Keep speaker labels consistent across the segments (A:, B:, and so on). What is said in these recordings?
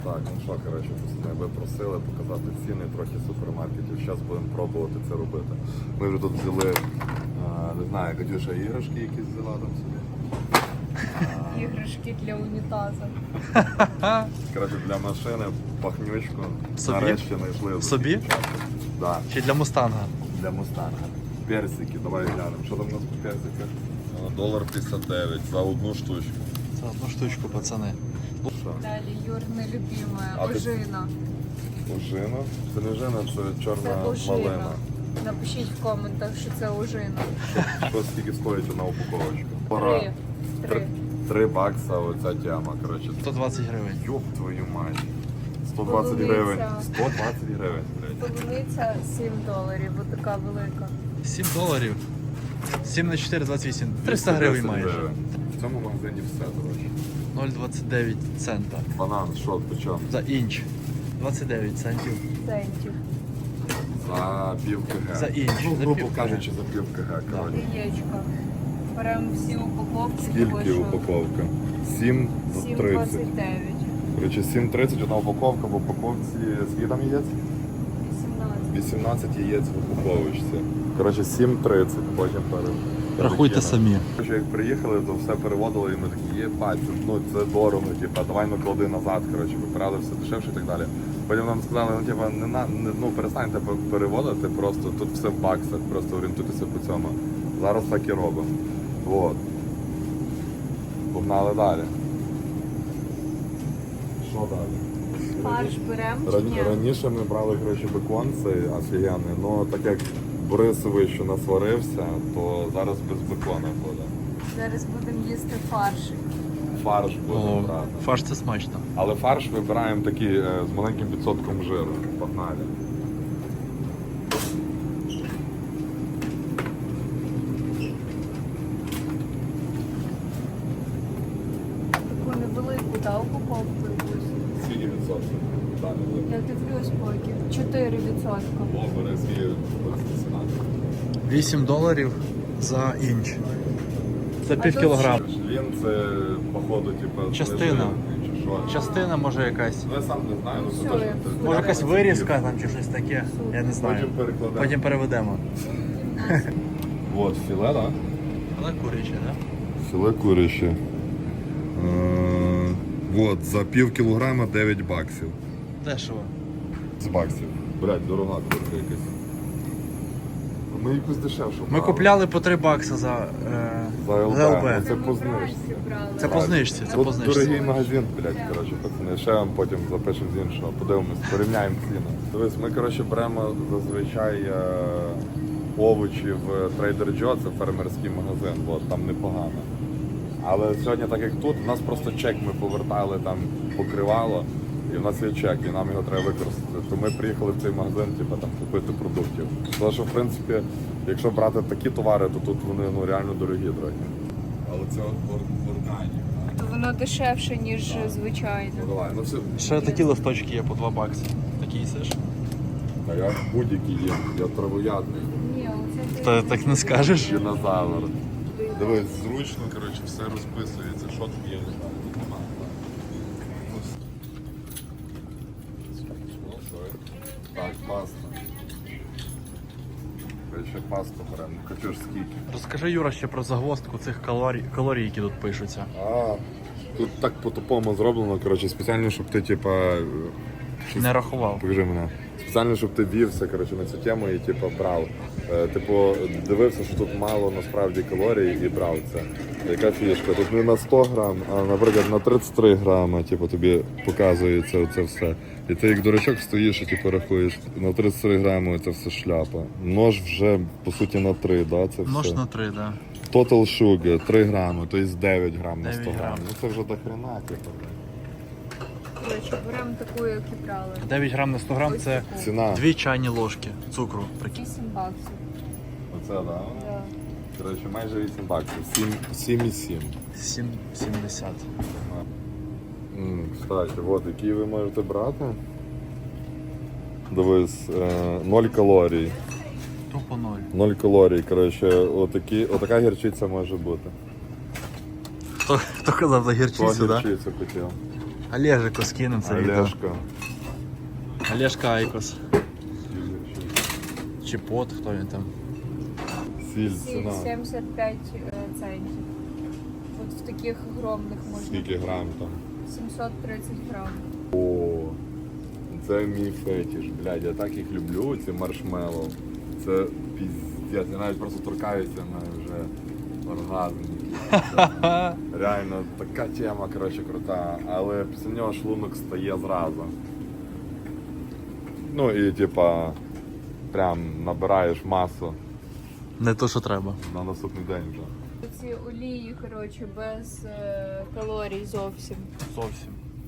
A: Так, ну що, коротше, ви просили показати ціни трохи супермаркетів. Зараз будемо пробувати це робити. Ми вже тут взяли, не знаю, Катюша, іграшки якісь взяла там собі.
B: Іграшки для унітазу.
A: Коротше, для машини пахнючку.
C: Собі?
A: Нарешті знайшли.
C: Собі?
A: Да,
C: Чи для мустанга?
A: для мустанга. Персики, давай глянемо. Що там у нас по персиках? $1.59 за одну штучку.
C: За одну штучку, пацани.
A: Що?
B: Далі Юрне любиме,
A: А ти-
B: ожина.
A: Ожина? Це не ожина, це чорна
B: Це ожина.
A: малина.
B: Напишіть в коментах, що це ожина.
A: Що скільки стоїть одна упаковочка?
B: Три.
A: 3 бакса оця тема, коротше.
C: 120 гривень.
A: Йоп твою мать. 120
B: Полуниця.
A: гривень. 120 гривень, блядь.
B: Полуниця $7, отака велика.
C: $7. 7 на 4, 28. 300 гривень
A: 210
C: майже.
A: гривень. В цьому магазині все, коротше.
C: 0,29 цента.
A: Банан, що, по чому?
C: За інч. 29 центів.
B: Центів.
A: За пів кг.
C: За інч,
A: Ну,
C: за
A: грубо
C: пів кг.
A: кажучи, за пів кг, коротше.
B: Яєчко. Беремо всі упаковки.
A: Скільки упаковка? 7,30.
B: 7,29.
A: Коротше, 7,30 одна упаковка, в упаковці скільки там яєць?
B: 18.
A: 18 яєць в упаковочці. Коротше, 7,30, потім
C: Рахуйте
A: перекинемо.
C: самі.
A: Коротше, як приїхали, то все переводили, і ми такі, є пальці, ну це дорого, типа, давай ну клади назад, коротше, вибирали все дешевше і так далі. Потім нам сказали, ну типа, ну перестаньте переводити, просто тут все в баксах, просто орієнтуйтеся по цьому. Зараз так і робимо. Вот. Погнали далі. Що далі?
B: Фарш беремо чи ні?
A: Раніше ми брали, коротше, бекон цей офігенний, але так як Борисович що насварився, то зараз без бекона буде.
B: Зараз будемо їсти фаршик.
A: Фарш будемо
C: О,
A: брати.
C: фарш це смачно.
A: Але фарш вибираємо такий з маленьким відсотком жиру. Погнали.
B: Таку невелику, да, упаковку якусь.
A: Скільки відсотків? Далі.
B: Я дивлюсь поки. 4%.
A: О, бери свій
C: $8 за інч. Це пів
B: тут
C: кілограма.
A: Він це, походу, типу,
C: Частина.
A: знижений чи що.
C: Частина може якась.
A: Ну, я сам не знаю, ну
B: Все,
A: це точно.
B: я-
A: це-
C: Може якась вирізка там чи щось таке. Я не знаю.
A: Потім перекладемо.
C: Потім переведемо.
A: Вот, філе, так?
C: Але куряче, так?
A: Філе куряче. Вот, за пів кілограма 9 баксів.
C: Дешево.
A: З баксів. Блять, дорога курка якась. Ми якусь дешевшу.
C: Ми купляли по $3 за
A: За ЛБ.
C: ЛБ.
A: Це
B: ми
A: по знижці.
B: вранці брали.
C: Це по знижці, це
A: Тут
C: по знижці.
A: дорогий магазин, блядь, коротше, пацани. Ще вам потім запишемо з іншого, подивимось, порівняємо ціни. Дивись, ми, коротше, беремо зазвичай овочі в Trader Joe, це фермерський магазин, от, там непогано. Але сьогодні, так як тут, у нас просто чек ми повертали, там покривало, і в нас є чек, і нам його треба використати. То ми приїхали в цей магазин, типу, там, купити продуктів. Тому що, в принципі, якщо брати такі товари, то тут вони ну, реально дорогі. Але це органік.
B: То воно дешевше, ніж звичайно.
A: Ну давай, ну все.
C: Ще такі листочки є по $2. Такі їсиш?
A: А я будь-який є, я травоядний.
B: Ні, оце
C: Та так не скажеш.
A: Динозавр. Дивись, зручно, коротше, все розписується, що тут є, не знаю, тут немає. Так, паста. Ще пасту беремо. Катюш, скільки?
C: Розкажи, Юра, ще про загвоздку цих калорій, які тут пишуться.
A: Тут так по-тупому зроблено, коротше, спеціально, щоб ти, типа...
C: Не рахував.
A: Покажи мене. Спеціально, щоб ти вівся, коротше, на цю тему і типу, брав. Типу, дивився, що тут мало насправді калорій і брав це. Яка фішка? Тут не на 100 грам, а, наприклад, на 33 грама, типу, тобі показується це все. І ти як дурачок стоїш і типу, рахуєш, на 33 грами це все шляпа. Нож вже, по суті, на 3, да, це все.
C: Нож на 3, так. Да.
A: Total sugar, 3 грами, тобто 9 грам на 100
C: 9
A: грам.
C: грам.
A: Ну це вже до хрена, типу.
B: коротше, беремо таку, як і брали.
C: 9 грам на 100 грам це
A: Ціна.
C: 2 чайні ложки цукру. Прикинь.
B: $8.
A: Оце, так? Да?
B: Да.
A: Коротше, майже 8 баксів. 7,7.
C: 7,70.
A: Кстати, от які ви можете брати. Дивись, 0 калорій.
C: Тупо 0.
A: 0 калорій, коротше, отака гірчиця може бути.
C: Хто казав за гірчицю, так? Да?
A: Гірчицю хотів.
C: Олежику скинем це відео.
A: Олешка.
C: Олежка Айкос. Чіпот, хто він там.
A: Сіль,
B: Сіль
A: ціна.
B: 75 центів. От в таких огромних можна.
A: Скільки грам там?
B: 730 грам.
A: О, це мій фетіш, блядь, я так їх люблю, ці маршмеллоу. Це піздець, я навіть просто торкаюся на вже оргазм. Реально, така тема, коротше, крута, але після нього шлунок стає зразу. Ну і типа, прям набираєш масу
C: Не то, що треба.
A: на наступний день вже.
B: Ці олії, коротше, без калорій зовсім.
C: Зовсім.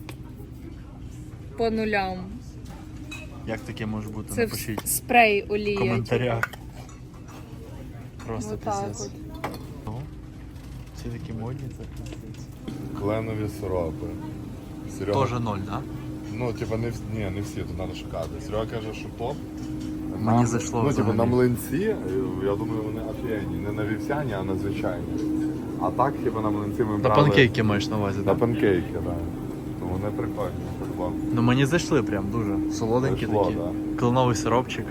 B: По нулям.
C: Як таке може бути?
B: Це
C: Напишіть
B: спрей
C: в
B: олії.
C: коментарях. Просто
B: Отак
C: пиздец.
B: от.
C: Ці такі модні, це пиздец.
A: Кленові сиропи. Серега,
C: Тоже 0, да?
A: ну, типа, не всі, тут треба шукати. Серега каже, що топ.
C: Мені зайшло
A: Ну, типу,
C: взагалі.
A: на млинці, я думаю, вони офігенні. Не на вівсяні, а на звичайні. А так, хіба на млинці ми
C: На
A: брали...
C: панкейки маєш на увазі,
A: На
C: так?
A: панкейки, так. Ну, вони прикольні, по-любому.
C: Ну мені зайшли прям дуже. Солоденькі
A: Зайшло,
C: такі.
A: да.
C: Кленовий сиропчик.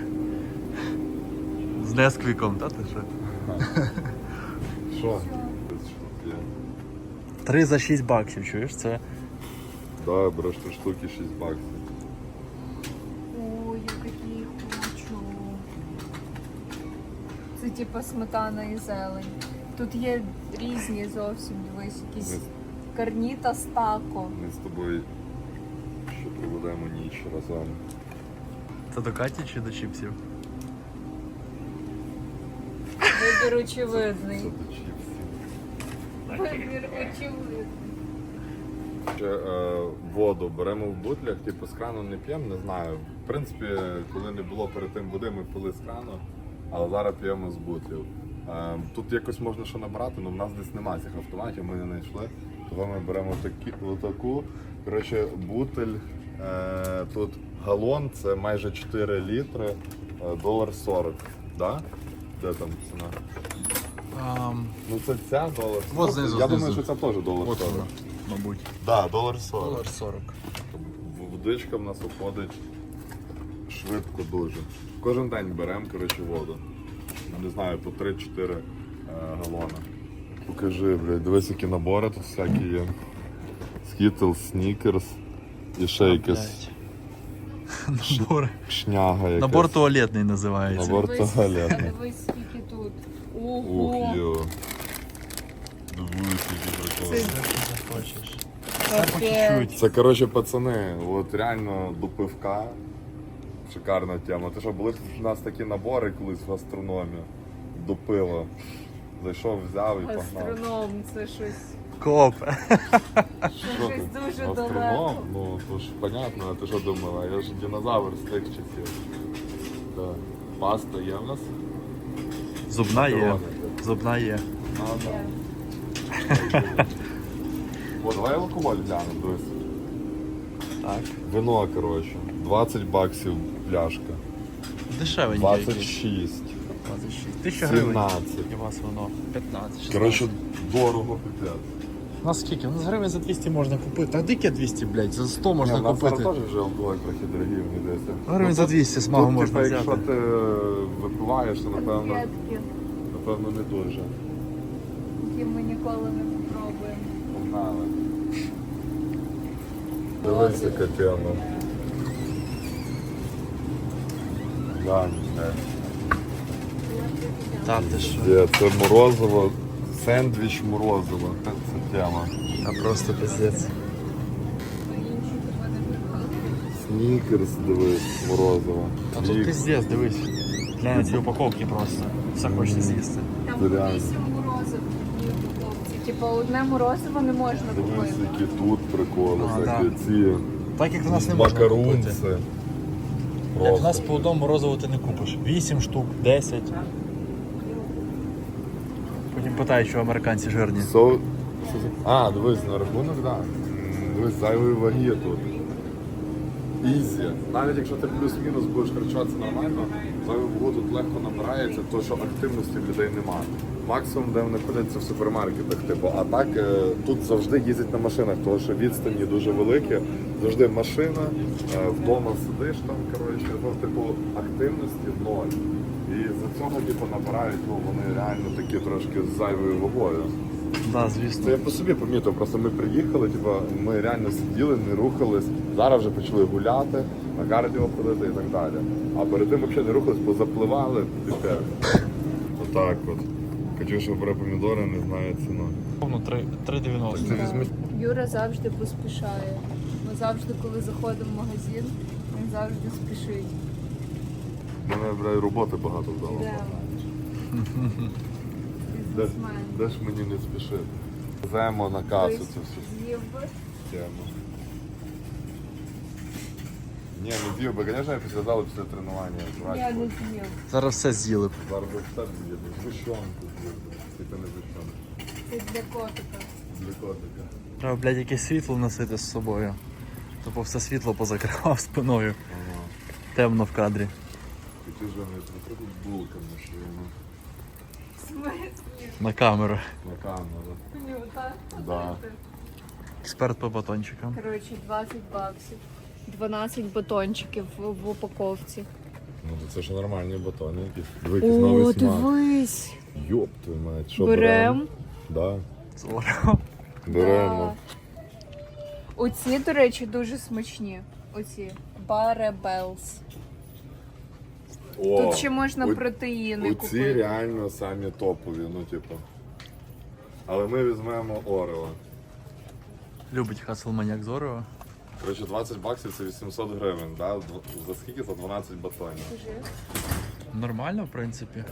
C: З несквіком, та ти що?
A: Що?
C: 3 за 6 баксів, чуєш? Це
A: Да, береш 3 штуки, 6 баксів.
B: Ой, я такі хочу. Це типа сметана і зелень. Тут є різні зовсім, дивись, якісь
A: Ми,
B: карніта з тако.
A: ми з тобою ще проведемо ніч разом.
C: Це до Каті чи до чіпсів?
B: Вибір
A: Це
B: очевидний.
A: до чіпсів.
B: Вибір очевидний.
A: Ще воду беремо в бутлях, типу з крану не п'ємо, не знаю. В принципі, коли не було перед тим води, ми пили з крану, але зараз п'ємо з бутлів. Тут якось можна що набрати, але в нас десь немає цих автоматів, ми не знайшли. Тому ми беремо отаку. Коротше, бутель, тут галон, це майже 4 літри, $1.40. Да? Де там ціна? Ну це ця $1.40.
C: Вот знизу,
A: Я
C: знизу.
A: думаю, що це теж $1.40.
C: От вона, мабуть.
A: Так, да, $1.40.
C: $1.40.
A: Водичка в нас уходить швидко дуже. Кожен день беремо, коротше, воду. Не знаю, по 3-4 галона. Покажи, блядь, дивись, які набори тут всякі є. Skittles, Snickers і ще якась
C: Набор.
A: шняга якась.
C: Набор туалетний називається.
A: Набор
B: Дивись,
A: туалетний.
B: а дивись, скільки тут.
A: Ух,
B: Ого!
A: йо. Дивись, які приколи.
B: Це-
C: Захочеш.
B: Капець.
C: По чуть-чуть.
A: Це, коротше, пацани, от реально до пивка. Шикарна тема. Ти що, були в нас такі набори колись в гастрономі до пива. Зайшов, взяв і погнав.
B: Астроном, це щось.
C: Коп.
A: Що
B: щось
A: ти?
B: дуже
A: Гастроном?
B: далеко.
A: Ну, то ж понятно, а ти що думала? Я ж динозавр з тих часів. Так. Паста є в нас?
C: Зубна є.
A: Макарони.
C: Зубна є.
A: Ага. О, давай алкоголь глянемо, дивись.
C: Так.
A: Вино, коротше. 20 баксів пляшка.
C: Дешевеньке якесь.
A: 26.
C: 26. 1000 гривень.
A: 17.
C: І у вас воно 15. 16.
A: Коротше, дорого, пипець.
C: У нас скільки? У нас гривень за 200 можна купити. А дике 200, блядь, за 100 можна
A: Ні, у нас
C: купити.
A: зараз теж вже алкоголь трохи дорогий, мені здається.
C: Гривень за 200 смагу
A: Тут,
C: можна
A: типа, якщо
C: взяти.
A: ти випиваєш, то напевно не дуже.
B: Які ми ніколи не попробуємо.
A: Погнали. Дивися, яка тема. Глянь,
C: Та ти що?
A: це морозиво, сендвіч морозиво. Це тема.
C: А просто пиздець.
B: Інші тебе не виходить.
A: Снікерс, дивись, морозиво.
C: А тут
A: Вік.
C: пиздець, дивись. Глянь ці упаковки просто. Все хочеться з'їсти.
B: Там
A: Це реально.
B: 8 морозив в упаковці. Типа одне морозиво не можна
A: Дивись,
B: купити.
A: які тут приколи,
C: А,
A: всякі
C: да.
A: ці
C: Так як в нас не можна купити.
A: макарунці.
C: Як в нас по одному морозиву ти не купиш. 8 штук, 10. Потім питають, що американці жирні.
A: А, дивись, на рахунок, так. Да. Дивись, зайвої ваги тут. ізі. Навіть якщо ти плюс-мінус будеш харчуватися нормально, зайву вагу тут легко набирається, то що активності в людей немає. Максимум, де вони ходять, це в супермаркетах. Типу, а так тут завжди їздять на машинах, тому що відстані дуже великі. Завжди машина, вдома сидиш там, коротше, ну, типу, активності ноль. І за цього типу, набирають, ну, вони реально такі трошки з зайвою вагою.
C: Да,
A: Це
C: звісно.
A: я по собі помітив, просто ми приїхали, типу, ми реально сиділи, не рухались. Зараз вже почали гуляти, на кардіо ходити і так далі. А перед тим взагалі не рухались, бо запливали тепер. Отак от. Катюша бере помідори, не знає ціну.
C: Повно 3,90.
A: Це візьміть.
B: Юра завжди поспішає. Ми завжди, коли заходимо в магазин, він завжди спішить.
A: Мене, бля, роботи багато вдало.
B: Йдемо.
A: Де,
B: Бізнесмен.
A: де ж мені не спішити? Веземо на касу
B: Хтось
A: цю всю
B: з'їв би.
A: тему. Ні, не з'їв би, звісно, я після залу, після тренування.
B: Я не з'їв.
C: Зараз все з'їли.
A: Зараз би все з'їду. Згущенку з'їду. Тільки не згущенку.
B: Це для котика.
A: Для котика.
C: Треба, блядь, якесь світло носити з собою. Тобто все світло позакривав спиною.
A: Ага.
C: Темно в кадрі.
A: Такі ж вони приходять булками, що воно
B: В смислі?
C: На камеру.
A: на камеру.
B: Нюта.
A: Да.
C: Експерт по батончикам.
B: Коротше, 20 баксів. 12 батончиків в упаковці.
A: Ну то це ж нормальні батони якісь. Якийсь новий смак.
B: дивись.
A: Йоп твою мать, що
B: Берем.
A: Да.
C: Здорово.
A: Беремо.
B: Оці, до речі, дуже смачні. Оці. Баребелс.
A: О,
B: Тут ще можна
A: о-
B: протеїни
A: оці
B: купити.
A: реально самі топові, ну типу. Але ми візьмемо Орео.
C: Любить Хаселманяк Зорево.
A: Коротше, 20 баксів це 800 гривень, да? За скільки? За 12 батонів.
B: Скажи.
C: Нормально, в принципі.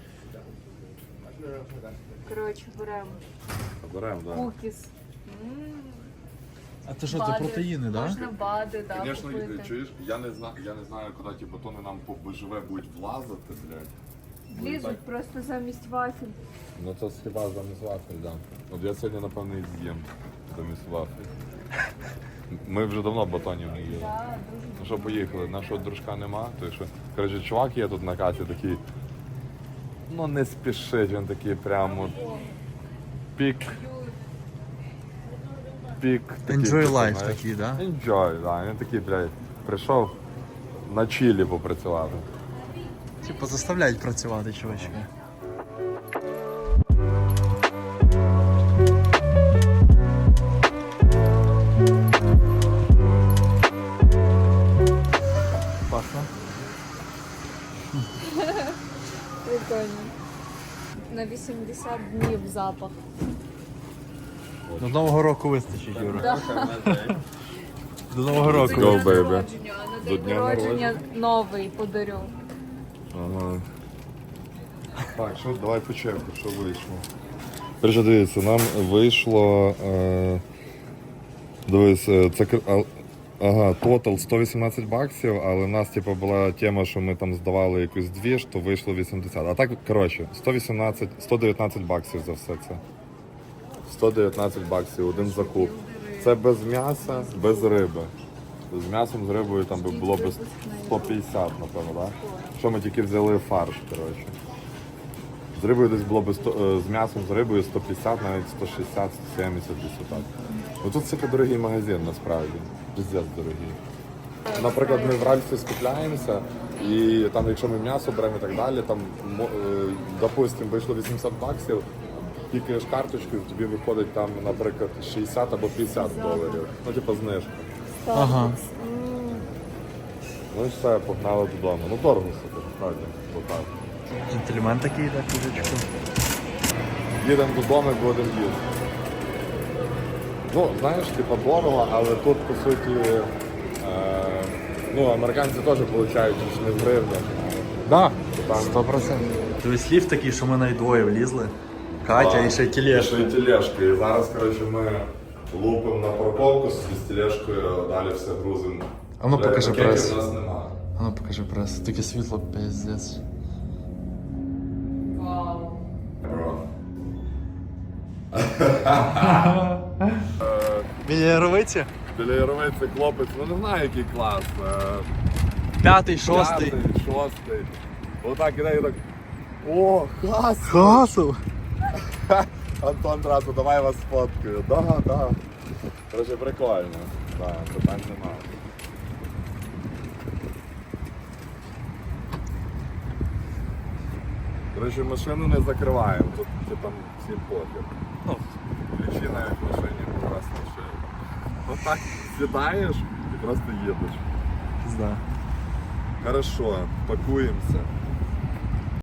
B: Коротше, беремо.
A: Беремо, так.
B: Кукіс.
C: А це що, це
B: Бади.
C: протеїни, так?
B: Можна бади, да,
A: Звісно,
B: купити.
A: чуєш, я не знаю, куди ті батони нам БЖВ будуть влазити, блядь.
B: Влізуть просто замість вафель.
A: Ну це хіба замість вафель, да. От я сьогодні, напевно, і з'їм замість вафель. Ми вже давно батонів не їли.
B: Да, дуже
A: Ну що, поїхали, нашого дружка нема, то що, коротше, чувак є тут на касі такий, ну не спішить, він такий прямо пік. Пік. такий,
C: Enjoy
A: типу,
C: life
A: знаєш.
C: такий, да?
A: Enjoy, да. Він такий, блядь, прийшов на чилі попрацювати.
C: Типу заставляють працювати, чувачки. Пахне.
B: прикольно. На 80 днів запах.
C: До Нового року вистачить, Юра.
B: Да.
C: До Нового року.
A: Go,
B: До
A: baby.
B: народження, а на
A: До
B: день
A: дня
B: народження новий подарю.
A: Ага. Так, що, давай по черзі, що вийшло. Перше, дивіться, нам вийшло. Дивись, це ага, тотал 118 баксів, але в нас типу, була тема, що ми там здавали якусь двіж, то вийшло 80. А так, коротше, 119 баксів за все це. 119 баксів, один закуп. Це без м'яса, без риби. З м'ясом, з рибою там би було б 150, напевно, так? Що ми тільки взяли фарш, коротше. З рибою десь було б з м'ясом, з рибою 150, навіть 160, 170 десь отак. Ну тут це дорогий магазин насправді. Пиздець дорогий. Наприклад, ми в Ральфі скупляємося, і там, якщо ми м'ясо беремо і так далі, там, допустимо, вийшло 800 баксів, кікаєш карточкою, тобі виходить там, наприклад, 60 або 50 доларів. Ну, типу, знижка.
C: Ага.
A: Ну і все, погнали додому. Ну, дорого все, насправді, отак.
C: Джентльмен такий, так, курочку.
A: Їдемо додому і будемо їсти. Ну, знаєш, типа дорого, але тут, по суті, ну, американці теж отримують не в гривнях.
C: Да,
A: Там
C: 100%. Тобто ліфт такий, що ми навіть двоє влізли. Катя і ще тележка.
A: Ще й тележка. І зараз, коротше, ми лупимо на парковку з тележкою, далі все грузимо.
C: А ну,
A: Бля,
C: покажи
A: пакетів
C: прес.
A: у нас немає.
C: А ну покажи прес. Таке світло, пиздець.
B: Вау.
A: Бро.
C: Біля Яровиці?
A: Біля Яровий це хлопець, ну не знаю який клас.
C: 5-й, 6-й.
A: 5-й, 6-й. Отак іде і так. О, Хасов!
C: Хасов!
A: Антон одразу, давай я вас сфоткаю. Да. Короче, прикольно. Да, питань немає. Короче, машину не закриваємо, тут там всім похер.
C: Ну,
A: Ключі навіть в машині якраз лишили. Отак сідаєш і просто їдеш.
C: пізда.
A: Хорошо, пакуємося.